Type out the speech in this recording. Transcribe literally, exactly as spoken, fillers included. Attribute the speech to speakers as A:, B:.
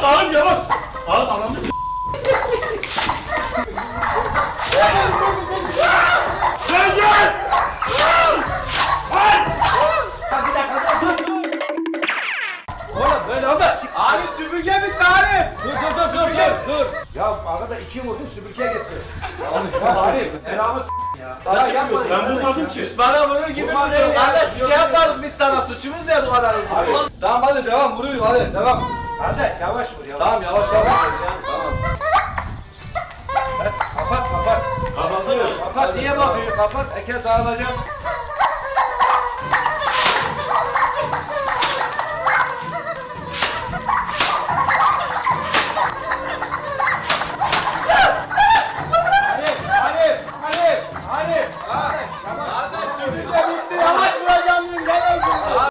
A: Ağam yavaş. Ağam anamı s***. Gel gel.
B: Bir dakika dur dur. Oğlum böyle olmaz.
C: Abi süpürge bitti Arif.
B: Dur dur dur dur dur. dur.
C: Ya arada iki vurdun süpürge getir.
B: Ya Arif, Erham'ı s*** ya. Ya yapma.
A: Ben vurmadım ki.
C: Bana vurur gibi
B: Vurmadım.
C: duruyor. Kardeş bir şey yapmadık biz sana. Suçumuz ne bu kadar?
B: Abi.
C: Tamam hadi devam vuruyorum hadi devam.
B: Hadi yavaş vur yavaş.
C: Tamam yavaş yavaş. Tamam.
B: Kapat kapat.
A: Kapatıyorum.
B: Kapat niye bakıyorsun? Kapat. Eke dağılacak.